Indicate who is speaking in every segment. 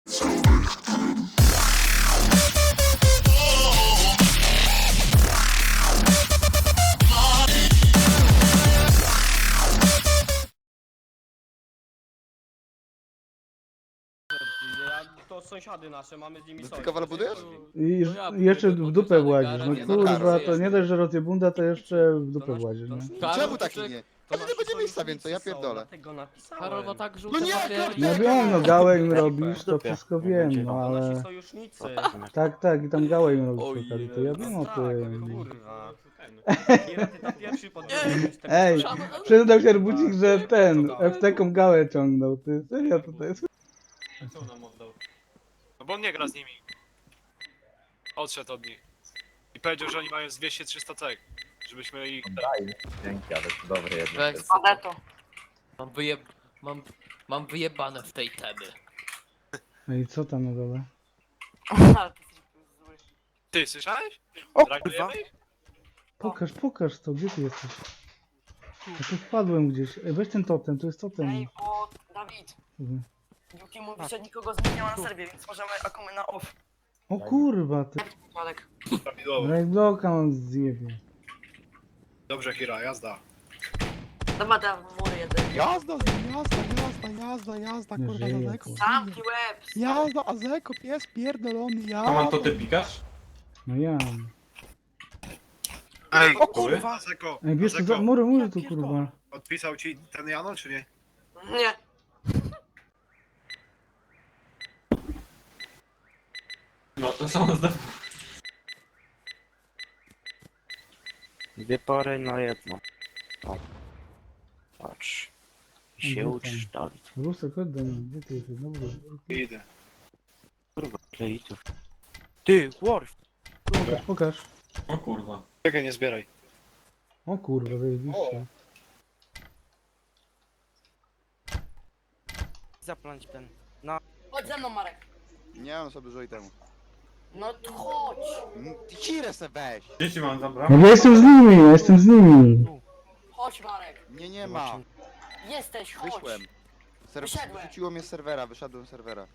Speaker 1: To sąsiady nasze, mamy z nimi
Speaker 2: Ty
Speaker 1: sojusz.
Speaker 2: kowal budujesz?
Speaker 3: I
Speaker 4: No ja
Speaker 3: jeszcze
Speaker 4: buduję
Speaker 3: w dupę
Speaker 4: podróżany
Speaker 3: włazisz.
Speaker 4: garaż,
Speaker 3: No
Speaker 2: nie
Speaker 3: kurwa,
Speaker 2: zakarę.
Speaker 3: to nie dość, że rozjebunda, to jeszcze w dupę
Speaker 1: To nasz-
Speaker 3: włazisz,
Speaker 1: to
Speaker 3: nie?
Speaker 1: nasz-
Speaker 2: Czemu
Speaker 4: Karol,
Speaker 2: taki
Speaker 4: to
Speaker 2: nie?
Speaker 1: To
Speaker 2: Ale nie będzie miejsca więcej, ja pierdolę.
Speaker 1: Dlatego napisałem.
Speaker 4: Karol ma tak
Speaker 2: No
Speaker 4: żółte
Speaker 2: nie,
Speaker 4: papiery.
Speaker 3: No
Speaker 2: kurde!
Speaker 3: wiem, no gałę im
Speaker 1: Dupę.
Speaker 3: robisz, to wszystko wiem, no
Speaker 1: To nasi
Speaker 3: ale...
Speaker 1: sojusznicy.
Speaker 3: Tak, i tam gałę im robisz przy
Speaker 4: Ojej.
Speaker 3: okazji, to ja wiem o
Speaker 1: Tak,
Speaker 3: tym.
Speaker 1: kurwa. Kira, ty tam pierwszy podbiegłeś z tego
Speaker 3: Ej,
Speaker 1: pistoletu.
Speaker 3: przyznał się Arbucik, że ten, FT-ką gałę ciągnął, ty, serio to jest...
Speaker 5: Co nam oddał? No bo on nie gra z nimi. Odszedł od nich. I powiedział, że oni mają z 200-300 cek. Żebyśmy ich...
Speaker 6: Dzięki, ale to dobre jednak.
Speaker 4: Weź
Speaker 6: jest.
Speaker 4: co to. Mam wyjebane w tej temy.
Speaker 3: No i co tam na dole?
Speaker 5: Ty, słyszałeś?
Speaker 7: O
Speaker 5: Reagujemy ich?
Speaker 3: Pokaż to, gdzie ty jesteś? Ja tu wpadłem gdzieś, ej, weź ten totem, to jest totem.
Speaker 7: Ej, bo Dawid,
Speaker 3: Kurwa.
Speaker 7: Yuki mówi, że nikogo z nich nie ma na serwie, więc możemy akumy na off.
Speaker 3: O kurwa, ty,
Speaker 7: Malek.
Speaker 5: Prawidłowo.
Speaker 3: Raidblocka on zjebie.
Speaker 5: Dobrze, Kira, jazda.
Speaker 7: Dobra, da mury jeden.
Speaker 8: Jazda, jazda,
Speaker 3: Nie
Speaker 8: kurwa,
Speaker 3: żyje,
Speaker 8: Azeko.
Speaker 3: kurwa.
Speaker 7: Zamknij łeb!
Speaker 8: Jazda, Azeko, pies pierdolony,
Speaker 9: A
Speaker 8: jazda.
Speaker 9: man to ty pikasz?
Speaker 3: No ja.
Speaker 5: Ej,
Speaker 8: O kurwa!
Speaker 5: Azeko,
Speaker 3: Ej, wiesz co,
Speaker 5: Azeko,
Speaker 3: mury tu kurwa.
Speaker 5: odpisał ci ten Jano, czy nie?
Speaker 7: Nie.
Speaker 9: No to są
Speaker 6: Dwie pory na jedno. O. Patrz.
Speaker 3: Gdzie
Speaker 6: Się
Speaker 3: tam?
Speaker 6: uczysz, Dawid.
Speaker 3: Rusek, chodź do mnie, gdzie ty jesteś? No
Speaker 5: Idę.
Speaker 6: Kurwa, kleitów. Ty, Worf!
Speaker 3: pokaż.
Speaker 9: O kurwa.
Speaker 5: Czekaj, nie zbieraj.
Speaker 3: O kurwa, zajebiście.
Speaker 6: Zapląć ten.
Speaker 7: Chodź ze mną, Marek.
Speaker 2: Nie mam sobie dużo itemu.
Speaker 7: No to chodź.
Speaker 2: Kirę se weź!
Speaker 9: Dzieci mam zabrać.
Speaker 3: No ja jestem z nimi.
Speaker 7: Chodź, Marek.
Speaker 2: Nie ma.
Speaker 7: Jesteś, chodź.
Speaker 2: Wyszłem.
Speaker 7: Wyszedłem.
Speaker 2: Wyrzuciło mnie z serwera, wyszedłem z serwera.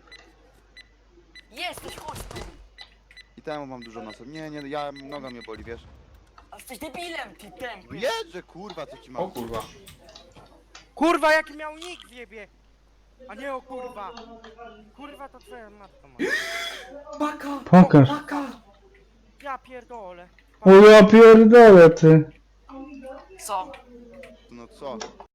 Speaker 7: Jesteś, chodź tu.
Speaker 2: I temu mam dużo na sobie. Nie, ja noga mnie boli, wiesz?
Speaker 7: A jesteś debilem, ty
Speaker 2: No
Speaker 7: tępy.
Speaker 2: jedże, kurwa, co ci mam?
Speaker 9: O kurwa.
Speaker 6: Kurwa, jaki miał nick w jebie! A nie o kurwa! Kurwa, to twoja matka ma.
Speaker 3: Pokaż.
Speaker 6: Ja pierdolę.
Speaker 3: O ja pierdolę ty.
Speaker 7: Co?
Speaker 2: No co?